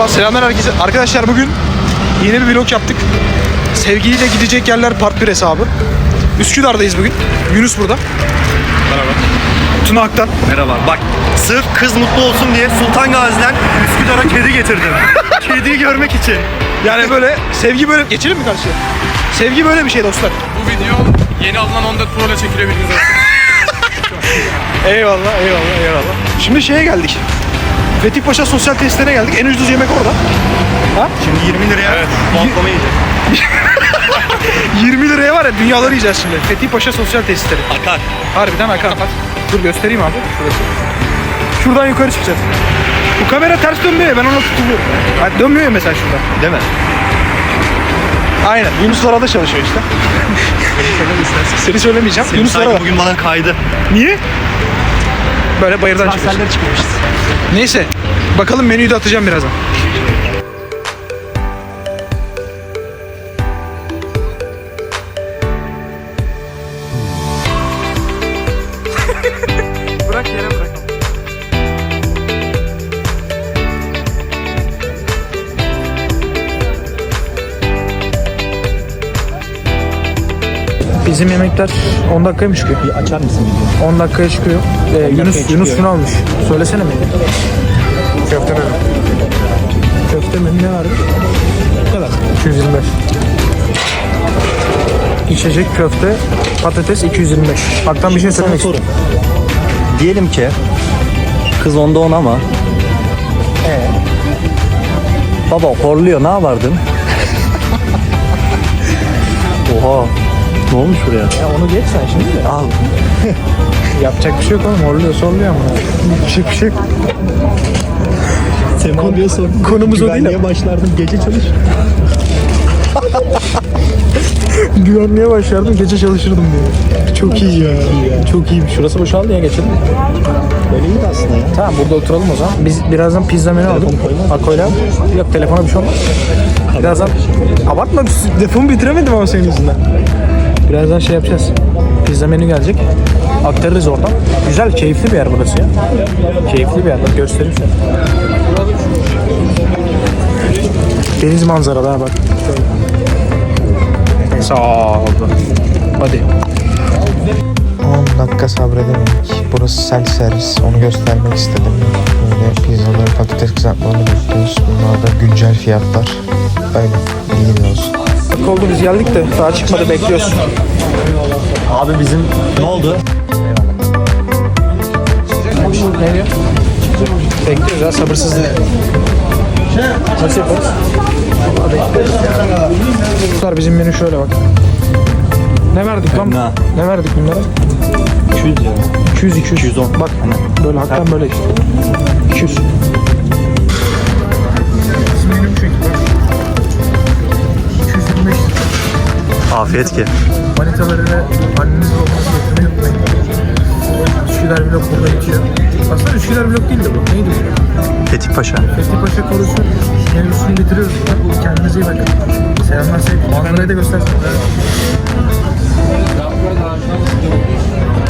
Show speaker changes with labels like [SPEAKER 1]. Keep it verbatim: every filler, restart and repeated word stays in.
[SPEAKER 1] Merhaba, selamlar herkese. Arkadaşlar bugün yeni bir vlog yaptık. Sevgiliyle gidecek yerler part bir hesabı. Üsküdar'dayız bugün. Yunus burada.
[SPEAKER 2] Merhaba.
[SPEAKER 1] Tuna Aktan.
[SPEAKER 2] Merhaba. Bak, sırf kız mutlu olsun diye Sultan Gazi'den Üsküdar'a kedi getirdim. Kediyi görmek için.
[SPEAKER 1] Yani böyle sevgi böyle... Geçelim mi karşıya? Sevgi böyle bir şey dostlar.
[SPEAKER 3] Bu video yeni alınan on dört Pro ile çekilebiliriz aslında.
[SPEAKER 1] Eyvallah, eyvallah, eyvallah. Şimdi şeye geldik. Fethi Paşa sosyal tesislerine geldik. En ucuz yemek orada. Ha?
[SPEAKER 2] Şimdi yirmi liraya evet. Bantlama yiyeceğiz.
[SPEAKER 1] yirmi liraya var ya dünyaları yiyeceğiz şimdi. Fethi Paşa sosyal tesisleri.
[SPEAKER 2] Akar.
[SPEAKER 1] Harbiden akar. Dur göstereyim abi. Şurası. Şuradan yukarı çıkacağız. Bu kamera ters dönmüyor ya, ben ona tutuluyorum. Yani dönmüyor ya mesela şurada.
[SPEAKER 2] Değil mi?
[SPEAKER 1] Aynen. Yunus Lara'da çalışıyor işte. Seni söylemeyeceğim.
[SPEAKER 2] Senin
[SPEAKER 1] Yunus
[SPEAKER 2] sanki
[SPEAKER 1] Lara'da.
[SPEAKER 2] bugün bana kaydı.
[SPEAKER 1] Niye? Böyle bayırdan çıkıyoruz.
[SPEAKER 2] çıkmışız.
[SPEAKER 1] Neyse. Bakalım menüyü de atacağım birazdan. Bırak yere bırak. Bizim yemekler on dakikaya mı çıkıyor?
[SPEAKER 2] Bir açar mısın videoyu?
[SPEAKER 1] on dakikaya çıkıyor. Ee, Yunus Yunus şunu almış. Söylesene mi? Köfte menü. Köfte menü ne vardı? Ne kadar? iki yüz yirmi beş. İçecek köfte, patates iki yüz yirmi beş. Haktan bir şey söylemek istiyorum.
[SPEAKER 2] Diyelim ki kız onda on ama
[SPEAKER 1] Ee?
[SPEAKER 2] baba horluyor, ne yapardın? Oha. Ne olmuş buraya?
[SPEAKER 1] Ya onu geç sen şimdi de.
[SPEAKER 2] Al.
[SPEAKER 1] Yapacak bir şey yok oğlum. Horluyor, sorluyor ama. Bir şey, bir şey yok.
[SPEAKER 2] Sema abiye sordum.
[SPEAKER 1] Konumuz o değil
[SPEAKER 2] Güvenliğe başlardım. Gece çalış.
[SPEAKER 1] Güvenliğe başlardım, gece çalışırdım diyor. Çok iyi ya. Çok iyi. Şurası boşaldı ya, geçelim.
[SPEAKER 2] Böyle iyiydi aslında ya.
[SPEAKER 1] Tamam, burada oturalım o zaman. Biz birazdan pizza menü aldık. Akoyla. Yok, telefona bir şey olmaz. Birazdan... Abartma, defomu bitiremedim ama senin yüzünden. Birazdan şey yapacağız. Pizza menü gelecek. Aktarırız oradan. Güzel, keyifli bir yer burası ya. Keyifli bir yer. Bak göstereyim sana. Deniz manzaralı ha bak. Sağ oldu. Hadi.
[SPEAKER 4] on dakika sabredemedik. Burası self servis. Onu göstermek istedim. Böyle pizzaları, patates kızartmalarını bekliyoruz. Bunlar da güncel fiyatlar. Öyle. Bilginiz olsun.
[SPEAKER 1] Dakika oldu, biz geldik de daha çıkmadı, bekliyoruz.
[SPEAKER 2] Abi bizim ne oldu?
[SPEAKER 1] Ne diyor? Bekliyoruz ya, sabırsızlık. Nasıl yaparız? Bunlar bizim menü şöyle bak. Ne verdik lan?
[SPEAKER 2] Ne?
[SPEAKER 1] Ne verdik bunlara?
[SPEAKER 2] iki yüz lira.
[SPEAKER 1] iki yüz iki yüz.
[SPEAKER 2] iki yüz on.
[SPEAKER 1] Bak böyle hakikaten böyle işte. iki yüz. Bizim menü bu şekilde. iki yüz yirmi beş.
[SPEAKER 2] Afiyet ki.
[SPEAKER 1] Manitaları ve annenizle olması getirmeyi unutmayın. Üsküdar vlog burada bitiyor. Aslında Üsküdar vlog değil de bu. Neydi bu?
[SPEAKER 2] Fethi Paşa.
[SPEAKER 1] Fethi Paşa korusu mevzusunu bitiriyoruz. Kendinize iyi bakın. Selamlar, sevgiler. Manzarayı da göstersin.